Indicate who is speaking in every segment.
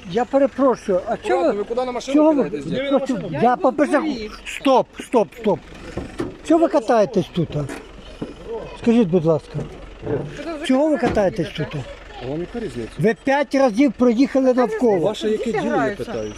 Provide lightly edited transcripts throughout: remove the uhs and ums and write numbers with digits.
Speaker 1: Я перепрошую, а чого
Speaker 2: Ви куди на машину
Speaker 1: чого ви?
Speaker 2: кидаєтесь?
Speaker 1: Я побежав. Стоп. Чого ви катаєтесь тут? Скажіть, будь ласка. Чого ви катаєтесь тут?
Speaker 2: А вам яка різниця?
Speaker 1: Ви 5 разів проїхали навколо.
Speaker 2: Ваше яке діло, я питаюся?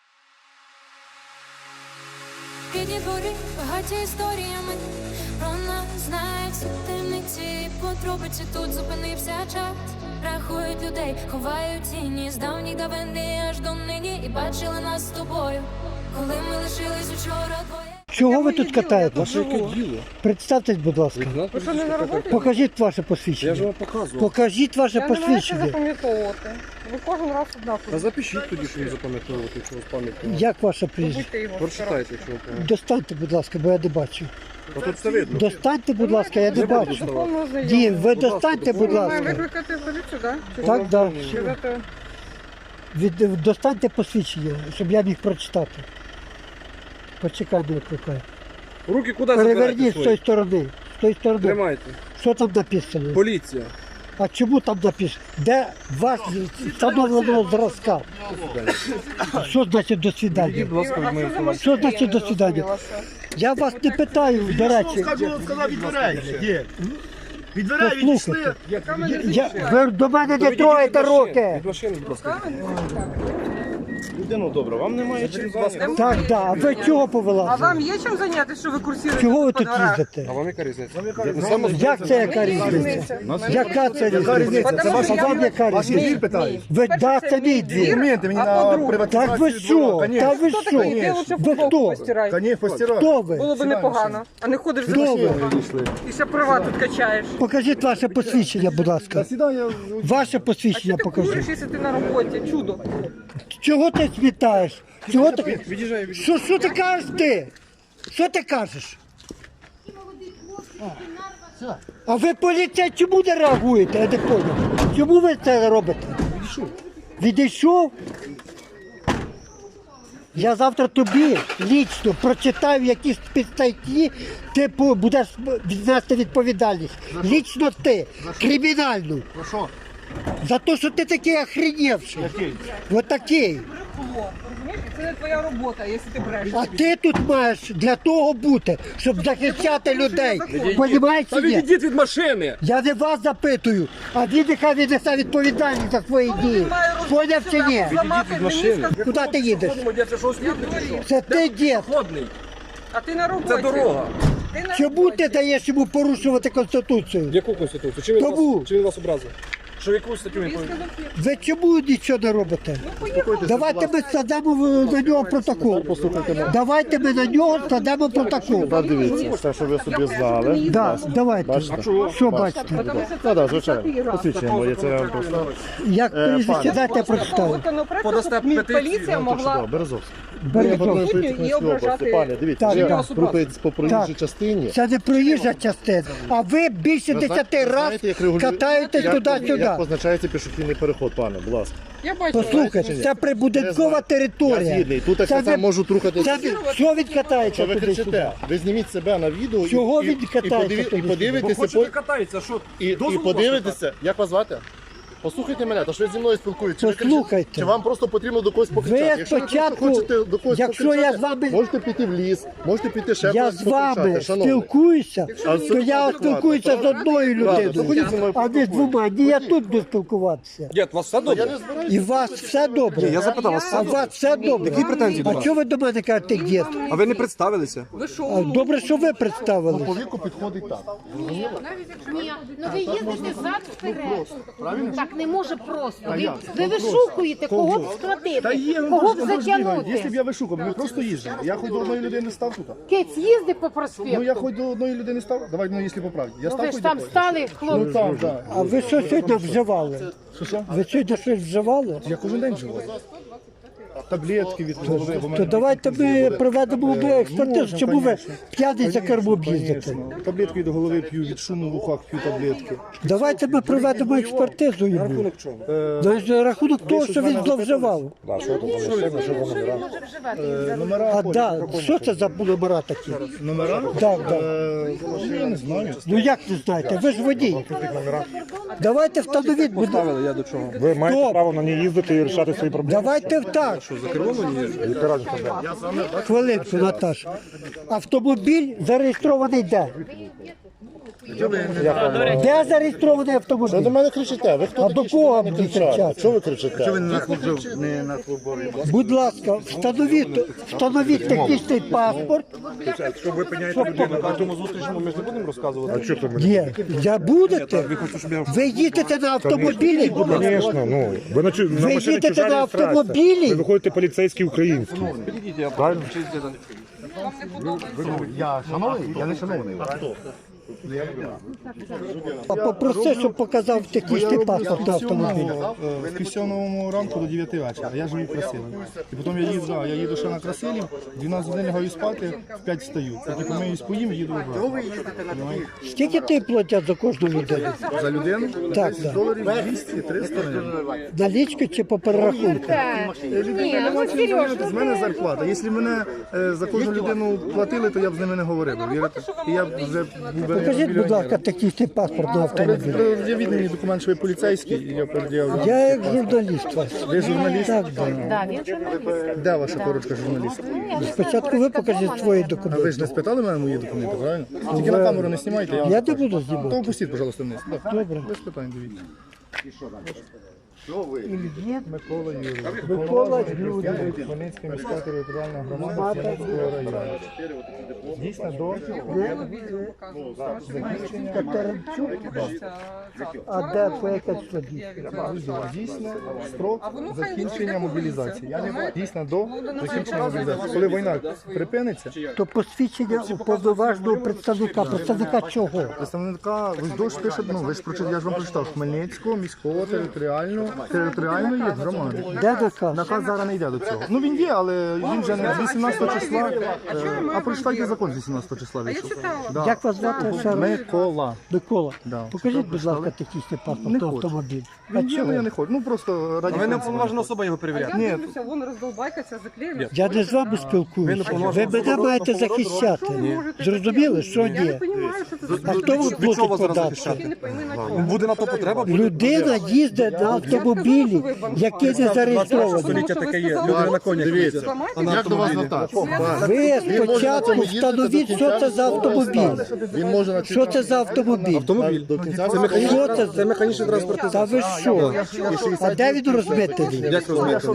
Speaker 3: Рідні двори, багаті історіями, про нас знають всі темниці, подробиці тут зупинився час. Рахують людей, ховають тіні з давніх давини аж до нині. І бачили нас з тобою, коли ми лишились учора двоє.
Speaker 1: Чого ви тут катаєтесь?
Speaker 2: Ваше яке діло?
Speaker 1: Представтесь, будь ласка.
Speaker 2: Ви що, не на роботі?
Speaker 1: Покажіть ваше
Speaker 2: Я ж
Speaker 1: посвідчення.
Speaker 2: вам показував.
Speaker 1: Покажіть ваше
Speaker 4: Я не можу
Speaker 1: посвідчення.
Speaker 4: запам'ятовувати. Ви кожен раз
Speaker 2: Та
Speaker 4: однаково.
Speaker 2: запишіть тоді, що ви запам'ятовувати, якщо у вас пам'ять.
Speaker 1: Як ваше прізвище?
Speaker 4: Будьте його.
Speaker 2: Прочитайте, якщо ви пам'ятаєте.
Speaker 1: Достаньте, будь ласка, бо я не бачу.
Speaker 2: А тут все видно.
Speaker 1: Достаньте, будь ласка, я не бачу.
Speaker 4: Повно знайомі.
Speaker 1: Дім, ви достаньте, будь
Speaker 4: Ми маємо
Speaker 1: ласка.
Speaker 4: викликати поліцію, так?
Speaker 1: Так, так.
Speaker 4: Сказати,
Speaker 1: Достаньте посвідчення, щоб я міг прочитати. Почекай, не викликай.
Speaker 2: Руки куди забираєте
Speaker 1: Переверніть з тої
Speaker 2: свої?
Speaker 1: сторони. З тої сторони.
Speaker 2: Тримайте.
Speaker 1: Що там написано?
Speaker 2: Поліція.
Speaker 1: А чому там написано? Де ваш встановленого зразка? Що значить до свидання?
Speaker 2: Будь ласка,
Speaker 4: а
Speaker 2: від
Speaker 4: що за
Speaker 2: моєї
Speaker 1: Що значить до свидання? Я вас не питаю, до речі.
Speaker 5: Сказав від дверей. Є. Від дверей
Speaker 1: Послухайте.
Speaker 5: відійшли.
Speaker 1: Ви до мене не троєте руки.
Speaker 2: Від машини, будь ласка.
Speaker 5: Людину добре, вам немає чим зайнятися.
Speaker 1: Так, так. А ви чого
Speaker 4: а
Speaker 1: повелазили?
Speaker 4: вам є чим зайнятися, що ви курсуєте
Speaker 1: Чого ви
Speaker 4: по
Speaker 1: тут
Speaker 4: дворах?
Speaker 1: їздите?
Speaker 2: А вам яка різниця?
Speaker 1: Як це яка різниця? Яка це різниця?
Speaker 4: Це ваша
Speaker 1: А вам яка
Speaker 5: Ваші
Speaker 1: різниця?
Speaker 5: двір питають.
Speaker 1: Ви да, це мій двір.
Speaker 5: Документи мені
Speaker 4: А
Speaker 5: на
Speaker 4: по-друге?
Speaker 5: приватизацію.
Speaker 1: Так ви що? Та ви
Speaker 4: Хто такий? Іди
Speaker 1: що?
Speaker 4: лучше
Speaker 1: Ви
Speaker 4: футболку
Speaker 1: хто?
Speaker 4: постирай.
Speaker 5: Та постирай.
Speaker 1: Хто ви?
Speaker 4: Було б непогано. А не ходиш за
Speaker 1: Хто ви?
Speaker 4: машиною. І ще права тут качаєш.
Speaker 1: Покажіть ваше посвідчення, будь ласка.
Speaker 5: Сідай, я...
Speaker 1: Ваше
Speaker 4: А
Speaker 1: посвідчення
Speaker 4: що ти куриш,
Speaker 1: покажіть.
Speaker 4: якщо ти на роботі? Чудо.
Speaker 1: Чого ти смітаєш? Чого ти?
Speaker 2: Від'їжджай,
Speaker 1: Що ти кажеш ти? Що ти кажеш? А ви поліція чому не реагуєте? Я не понял. Чому ви це робите? Відійшов? Я завтра тобі лічно прочитаю якісь підстатті, ти будеш віднести відповідальність. Лічно ти, кримінальну.
Speaker 5: Ну що?
Speaker 1: За те, що ти такий охренівший. Ось такий.
Speaker 4: Розумієш? Це не твоя робота, якщо ти брешеш.
Speaker 1: А ти тут маєш для того бути, щоб захищати людей. Понімаєш
Speaker 2: Та
Speaker 1: чи ні?
Speaker 2: відійдіть від машини!
Speaker 1: Я не вас запитую, а він нехай віднесе відповідальність за свої дії. Поняв чи ні?
Speaker 4: Зламати
Speaker 2: машини.
Speaker 4: мені,
Speaker 1: Куди ти їдеш?
Speaker 2: Це що, слідний чи що?
Speaker 1: Це ти дід.
Speaker 2: Ходний.
Speaker 4: а ти на роботі.
Speaker 2: Це дорога.
Speaker 4: Ти на
Speaker 1: Чому
Speaker 4: роботі.
Speaker 1: ти даєш йому порушувати Конституцію?
Speaker 2: Яку конституцію? Чим він
Speaker 1: Тому.
Speaker 2: вас, чим він вас образив? Що яку статтю він повинен?
Speaker 1: Ви чому нічого не робите? Давайте ми складемо на нього протокол. Давайте ми на нього складемо протокол.
Speaker 5: Дивіться, все, що ви собі знали.
Speaker 1: Да, давайте. Що бачите?
Speaker 5: Так, звичайно. Посвідчення моє, це вам просто.
Speaker 1: Як прізвище дайте я прочитаю.
Speaker 4: Законопроект,
Speaker 2: Подасте
Speaker 4: щоб
Speaker 2: петицію.
Speaker 4: поліція могла
Speaker 5: Березовський.
Speaker 4: і ображати.
Speaker 5: Пане, дивіться,
Speaker 1: Так,
Speaker 5: я
Speaker 1: так.
Speaker 5: рухається по проїжджій
Speaker 1: Так.
Speaker 5: частині.
Speaker 1: Це не проїжджа частина, а ви більше 10 разів катаєтесь туди-сюди.
Speaker 5: Як позначається пішохідний переход, пане, будь ласка.
Speaker 4: Я бачу.
Speaker 1: Послухайте, це прибудинкова
Speaker 5: Я
Speaker 1: територія.
Speaker 5: згідний. Тут так
Speaker 1: Це
Speaker 5: само
Speaker 1: ви-
Speaker 5: можуть рухатися.
Speaker 1: Це що він
Speaker 5: Що
Speaker 1: катається
Speaker 5: ви
Speaker 1: туди-сюди?
Speaker 5: кричите? Ви зніміть себе на відео
Speaker 1: Чого
Speaker 5: і,
Speaker 1: він катається
Speaker 5: і,
Speaker 1: туди-сюди?
Speaker 2: Бо
Speaker 5: подивитеся,
Speaker 2: хочете катається, що?
Speaker 5: і
Speaker 2: Дозволу у вас
Speaker 5: подивитеся, як вас звати? Послухайте мене, то що ви зі мною спілкуєтеся. Чи ви
Speaker 1: Послухайте.
Speaker 5: кричите? Чи вам просто потрібно до когось покричати?
Speaker 1: Ви
Speaker 5: Якщо
Speaker 1: спочатку-
Speaker 5: ви просто хочете до когось
Speaker 1: якщо
Speaker 5: покричати,
Speaker 1: я з вами-
Speaker 5: можете піти в ліс, можете піти ще
Speaker 1: Я
Speaker 5: кудись
Speaker 1: з вами
Speaker 5: покричати, шановний.
Speaker 1: спілкуюся,
Speaker 5: А
Speaker 1: то я
Speaker 5: це
Speaker 1: спілкуюся з одною
Speaker 5: Ладно, то ходіть зі
Speaker 1: людиною,
Speaker 5: мною
Speaker 1: а не з двома. Ні, я тут буду спілкуватися.
Speaker 2: Дід, у вас все
Speaker 5: Я
Speaker 2: добре?
Speaker 5: не збираюся.
Speaker 1: І у вас все добре.
Speaker 2: Я запитав, у вас все
Speaker 1: А у
Speaker 2: добре?
Speaker 1: вас все добре.
Speaker 2: Які претензії до
Speaker 1: А
Speaker 2: вас?
Speaker 1: чого ви до мене кажете, дід?
Speaker 2: А ви не представилися?
Speaker 1: А добре, що ви представили.
Speaker 5: По віку підходить так.
Speaker 6: Ні, ну ви їздите зад вперед. Так не може просто. Ви вишукуєте, кого б складити, кого б
Speaker 5: Якщо б
Speaker 6: затягнути.
Speaker 5: я вишукав, ми просто їздимо. Я хоч до одної людини став тут.
Speaker 6: Кець їздить по
Speaker 5: Ну
Speaker 6: проспекту.
Speaker 5: я хоч до одної людини став. Давай, ну якщо по правді. Я
Speaker 6: Ну
Speaker 5: став
Speaker 6: ви ж
Speaker 5: хоч
Speaker 6: там
Speaker 5: до когось.
Speaker 6: стали,
Speaker 5: Ну
Speaker 6: хлопці.
Speaker 5: там, так.
Speaker 1: А ви що сьогодні вживали?
Speaker 5: Що?
Speaker 1: Ви сьогодні щось вживали?
Speaker 5: Я кожен день живу.
Speaker 7: таблетки від голови. бо в
Speaker 1: То
Speaker 7: мене
Speaker 1: давайте ми проведемо експертизу, чому ви п'яний за кермом їздите?
Speaker 7: таблетки від голови п'ю, від шуму в ухах п'ю таблетки.
Speaker 1: Давайте ми проведемо експертизу йому. На рахунок того, що він зловживав.
Speaker 7: Номера
Speaker 1: А да, що це за номера такі?
Speaker 7: Номера?
Speaker 1: Так, так.
Speaker 7: Я не знаю.
Speaker 1: Ну як не знаєте? Ви ж водій. Давайте встановіть, будь ласка.
Speaker 2: Я до чого?
Speaker 8: Ви маєте
Speaker 1: Стоп.
Speaker 8: право на ній їздити і рішати свої проблеми.
Speaker 1: Давайте так.
Speaker 8: Яка разниця, де?
Speaker 1: Хвилинку, Наташа. Автомобіль зареєстрований де? Де зареєстрований
Speaker 5: Що
Speaker 1: автомобіль?
Speaker 5: до мене кричите? Ви хто
Speaker 1: А
Speaker 5: такі,
Speaker 1: до
Speaker 5: що
Speaker 1: кого
Speaker 5: до мене
Speaker 1: мені
Speaker 5: кричати?
Speaker 1: кричати?
Speaker 5: Що ви кричите?
Speaker 1: Будь ласка, встановіть технічний паспорт.
Speaker 2: Якщо ви пиняєте людину на тому зустрічному, ми ж не будемо розказувати.
Speaker 8: А що ти мені?
Speaker 1: Є. Я будете? Ви їдете на автомобілі? Будь ласка.
Speaker 8: Звісно, ну. Ви на
Speaker 1: Ви
Speaker 8: машині
Speaker 1: їдете
Speaker 8: чужа
Speaker 1: на
Speaker 8: реєстрація.
Speaker 1: автомобілі?
Speaker 8: Ви виходите поліцейський український. Правильно?
Speaker 5: Я шановний? Я не шановний.
Speaker 1: А попроси, щоб показав технічний паспорт на автомобілі.
Speaker 7: В пісьоновому ранку до 9 вечора. Я живу в Красилі. І потім я їду ще на Красилі, 12 годин лягаю спати, в 5 встаю. Потім помиюсь, поїм, їду обратно.
Speaker 1: Скільки ти платять за кожну людину?
Speaker 7: За людину?
Speaker 1: Так, так.
Speaker 7: Доларів 200-300 гривень.
Speaker 1: Налічку чи по перерахунку?
Speaker 7: З мене зарплата. Якщо мене за кожну людину платили, то я б з ними не говорив. Вірите? І я б вже був би
Speaker 1: Покажіть, будь ласка, технічний паспорт на автомобілі.
Speaker 7: Я відданий документ, що ви поліцейський, і я передіяв.
Speaker 1: Я як журналіст вас.
Speaker 7: Ви журналіст?
Speaker 1: Так, так.
Speaker 7: Де ваша корочка журналіст?
Speaker 1: Спочатку ви покажіть свої
Speaker 7: А ви
Speaker 1: документи.
Speaker 7: ж не спитали мене мої документи, правильно? Тільки на камеру не знімайте, я вам
Speaker 1: Я не буду
Speaker 7: То
Speaker 1: знімати.
Speaker 7: опустіть, пожалуйста, вниз.
Speaker 1: Добре.
Speaker 7: Без питань, дивіться.
Speaker 1: Микола
Speaker 7: Микола Юрійович, Хмельницька міська територіальна громада Хмельницького району. Дійсно до
Speaker 1: А де по яке число
Speaker 7: дійсно строк закінчення мобілізації. Дійсно до закінчення мобілізації. Коли війна припиниться,
Speaker 1: То посвідчення уповноваженого представника. Представника чого?
Speaker 7: представника ви ж пише, ви ж прочитали, я ж вам прочитав, Хмельницького міського територіальної громади.
Speaker 1: Де наказ?
Speaker 7: Наказ зараз не йде до цього. Ну він є, але він вже не з 18 числа. А прочитайте закон з 18 числа вийшов. Да.
Speaker 1: Як вас звати? ще раз?
Speaker 7: Микола.
Speaker 1: Микола.
Speaker 7: Да.
Speaker 1: Покажіть, будь ласка, технічний паспорт
Speaker 7: Не
Speaker 1: на
Speaker 7: хочу.
Speaker 1: автомобіль. А
Speaker 7: Він є, але я
Speaker 1: чого?
Speaker 7: не хочу. Ну просто раді.
Speaker 2: Ви не
Speaker 7: принципу.
Speaker 2: уповноважена особа його перевіряти.
Speaker 7: Ні.
Speaker 4: Я дивлюся, вон роздолбайка ця заклеєна.
Speaker 1: Я не з вами спілкуюся. Ви мене маєте захищати. Зрозуміли, що
Speaker 4: Я не
Speaker 1: ні?
Speaker 4: розумію, що це за
Speaker 1: А хто ви
Speaker 2: Від чого
Speaker 1: платить
Speaker 2: зараз
Speaker 1: податки?
Speaker 2: захищати?
Speaker 4: не пойми на чому.
Speaker 2: Буде на то потреба?
Speaker 1: Людина їздить на автомобілі, який не зареєстрований.
Speaker 2: Століття таке є. Люди на конях
Speaker 5: Дивіться.
Speaker 2: їздять.
Speaker 5: Як до вас звертатися?
Speaker 1: Ви спочатку встановіть, що це за автомобіль.
Speaker 5: Він може на
Speaker 1: Що це за автомобіль?
Speaker 2: Автомобіль.
Speaker 1: Що це?
Speaker 2: Це механічний транспортний
Speaker 1: Та ви що? А де він розбитий?
Speaker 2: Як розумієте?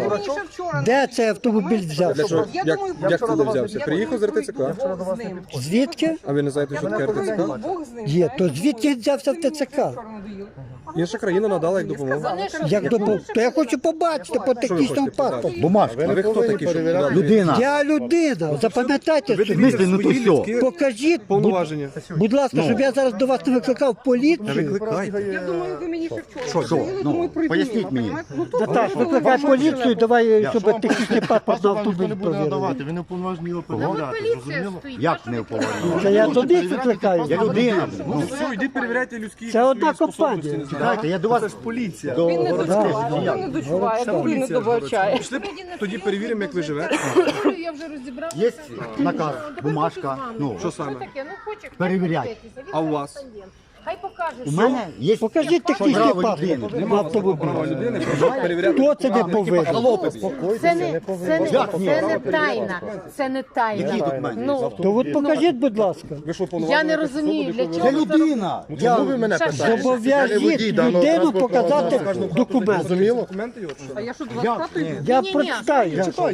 Speaker 1: Де цей автомобіль взявся?
Speaker 2: Як туди взявся? Приїхав з РТЦК.
Speaker 4: з ним.
Speaker 1: Звідки?
Speaker 2: А ви не знаєте, що таке РТЦК?
Speaker 4: Бог з ним.
Speaker 1: Є, то звідки він взявся в ТЦК?
Speaker 2: Інша країна надала як допомогу.
Speaker 1: Як то я хочу побачити по технічному паспорту.
Speaker 5: Бумажка.
Speaker 2: А ви хто такі? Щоб...
Speaker 5: Людина.
Speaker 1: Я людина, запам'ятайте собі.
Speaker 5: Ну то все.
Speaker 1: Покажіть,
Speaker 2: Повноваження.
Speaker 1: будь ласка, щоб я зараз до вас не викликав поліцію.
Speaker 4: Я думаю, ви мені ще вчора.
Speaker 5: Що?
Speaker 4: говорили,
Speaker 5: Ну,
Speaker 4: думаю, прийду.
Speaker 5: поясніть мені.
Speaker 4: Ну, тут
Speaker 1: Наташ, викликай поліцію, давай, щоб технічний паспорт на автомобіль
Speaker 5: не буде
Speaker 1: провірили.
Speaker 5: надавати, ви не уповноважені його перевіряти.
Speaker 6: Поліція стоїть.
Speaker 5: Як не уповноважені?
Speaker 1: Це я тобі викликаю.
Speaker 5: Я людина.
Speaker 2: Ну все, йдіть перевіряйте людські
Speaker 1: Це одна
Speaker 2: способності.
Speaker 1: компанія.
Speaker 5: Чекайте, я до вас
Speaker 7: Поліція.
Speaker 4: Він не дочуває, він не дочуває, добрий не добачає.
Speaker 2: Пішли, тоді перевіримо, як ви живете.
Speaker 6: Я вже розібрала.
Speaker 5: є наказ, бумажка. Ну,
Speaker 2: Що саме?
Speaker 6: Таке, ну хоче.
Speaker 5: Перевіряй.
Speaker 2: А у вас?
Speaker 6: Хай покаже,
Speaker 5: у мене є
Speaker 1: Покажіть технічний
Speaker 5: право
Speaker 1: паспорт
Speaker 5: людини.
Speaker 1: на автомобіль.
Speaker 2: Людини, щоб перевіряти.
Speaker 1: Хто це не повинен?
Speaker 6: це не тайна. Це не тайна. Ну,
Speaker 1: То от покажіть, будь ласка.
Speaker 2: Ви що,
Speaker 6: я не розумію, для
Speaker 5: Це
Speaker 6: чого це
Speaker 5: людина.
Speaker 2: Чому ви мене питаєте?
Speaker 1: Зобов'яжіть людину показати документ.
Speaker 2: Документи його?
Speaker 4: А я що, до вас хату йду?
Speaker 1: Я
Speaker 6: Ні-ні.
Speaker 1: прочитаю.
Speaker 6: Читай,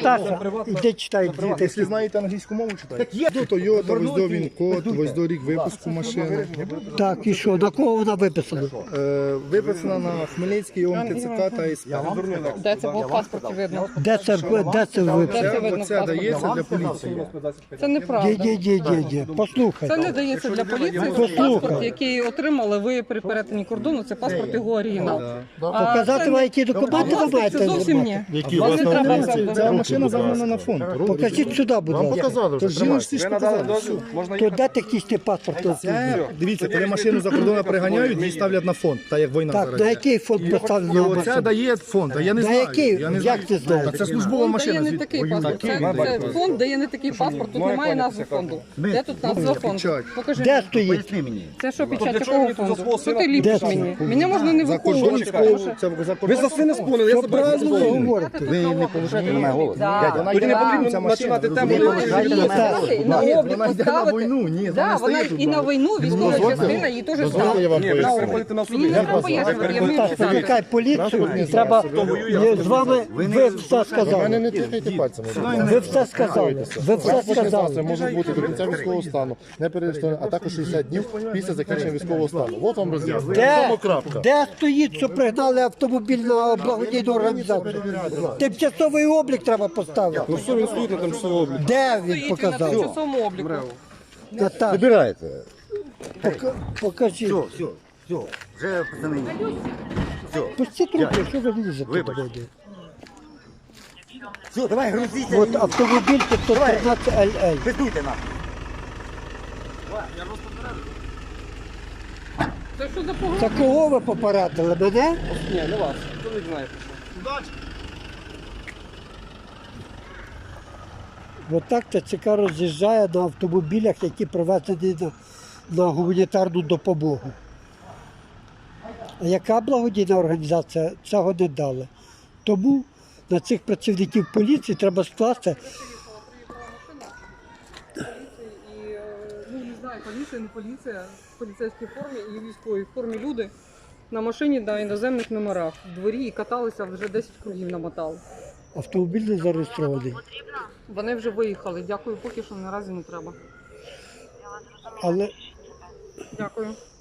Speaker 1: Наташа, іди читай
Speaker 7: Якщо
Speaker 1: діти.
Speaker 7: знаєте англійську мову, читайте. До Toyota, ось до він код, ось до рік випуску. повістку машини.
Speaker 1: Так, і що, на кого вона виписана?
Speaker 7: Виписана на Хмельницький ОМТЦК та СП.
Speaker 4: Де це було в паспорті видно?
Speaker 1: Де це виписано?
Speaker 4: Це видно в
Speaker 7: Це
Speaker 4: паспорті.
Speaker 7: дається для поліції.
Speaker 4: Це неправда.
Speaker 1: Ді, послухай.
Speaker 4: Це не дається для поліції. Це паспорт, який отримали ви при перетині кордону. Це паспорт його оригінал.
Speaker 1: Показати вам, які документи ви маєте?
Speaker 4: Це зовсім ні. Вам не треба це.
Speaker 7: Ця машина загнана на фонд.
Speaker 1: Покажіть сюди, будь
Speaker 5: Вам
Speaker 1: ласка.
Speaker 5: показали вже,
Speaker 7: Тож жіночці ж показали.
Speaker 1: То де технічний паспорт?
Speaker 7: Дивіться, коли машину за кордону приганяють, її ставлять на фонд, так як війна
Speaker 1: Так,
Speaker 7: зараз.
Speaker 1: на який фонд
Speaker 7: І
Speaker 1: поставлено?
Speaker 7: оце дає фонд, а я не
Speaker 1: На
Speaker 7: знаю.
Speaker 1: який?
Speaker 7: Я не
Speaker 1: Як
Speaker 7: знаю.
Speaker 1: ти знаєш?
Speaker 7: Та це службова
Speaker 4: Фонд
Speaker 7: машина.
Speaker 4: дає не такий паспорт. Це фонд дає не такий паспорт. Тут немає назви фонду. Де тут назва фонду?
Speaker 7: Печать.
Speaker 4: Покажи.
Speaker 1: Де
Speaker 4: мені.
Speaker 1: стоїть?
Speaker 4: Це що печать якого фонду? Що ти ліпиш мені? Мене можна не
Speaker 7: За
Speaker 4: виховувати.
Speaker 7: кордонську, це за
Speaker 2: Ви за свини спонили, я
Speaker 1: Правильно ви говорите.
Speaker 7: Ви не поважаєте на мене голос.
Speaker 4: Да.
Speaker 2: Тоді не потрібно починати тему.
Speaker 4: І на облік
Speaker 7: Вона йде на
Speaker 4: поставити.
Speaker 7: війну, ні,
Speaker 4: Да, вона
Speaker 7: стоїть тут.
Speaker 4: і на війну військова частина її теж
Speaker 5: Дозвольте,
Speaker 4: ставить.
Speaker 5: я вам
Speaker 2: Ні, ви
Speaker 5: поясню.
Speaker 2: переходите на
Speaker 4: Мені
Speaker 2: суди.
Speaker 4: не треба пояснювати, я вмію
Speaker 1: Так,
Speaker 4: писати.
Speaker 1: викликай поліцію і треба з вами, ви все
Speaker 5: Мене
Speaker 1: сказали.
Speaker 5: не тихайте пальцями.
Speaker 1: Ви все сказали. Ви все
Speaker 5: Це
Speaker 1: сказали.
Speaker 5: може бути до кінця військового стану, не перереєстровано, а також 60 днів після закінчення військового стану. От вам роз'яснення.
Speaker 1: Де,
Speaker 5: Крапка.
Speaker 1: де стоїть, що пригнали автомобіль на благодійну організацію? Тимчасовий облік треба поставити.
Speaker 2: Ну все, він стоїть на тимчасовому обліку.
Speaker 1: Де він
Speaker 4: Стоїть він на
Speaker 1: показав?
Speaker 4: тимчасовому обліку.
Speaker 1: Наташа,
Speaker 9: Забирайте.
Speaker 1: покажіть.
Speaker 9: Все, вже пацани.
Speaker 1: Пустіть руки, що ви лізете до мене?
Speaker 9: Все, давай, грузіться.
Speaker 1: От автомобіль 513 LL.
Speaker 9: Пиздуйте нам.
Speaker 4: Це що за погроза?
Speaker 1: Це кого ви попередили? Мене?
Speaker 4: Ні, не вас. Хто не знає.
Speaker 1: Отак ТЦК роз'їжджає на автомобілях, які привезені на гуманітарну допомогу. А яка благодійна організація цього не дала? Тому на цих працівників поліції треба скласти.
Speaker 4: І, ну, не знаю, поліція, не поліція, в поліцейській формі і в військовій формі люди на машині на іноземних номерах в дворі і каталися, вже 10 кругів намотали.
Speaker 1: Автомобіль не зареєстрований.
Speaker 4: Вони вже виїхали. Дякую, поки що наразі не треба.
Speaker 1: Але
Speaker 4: Дякую.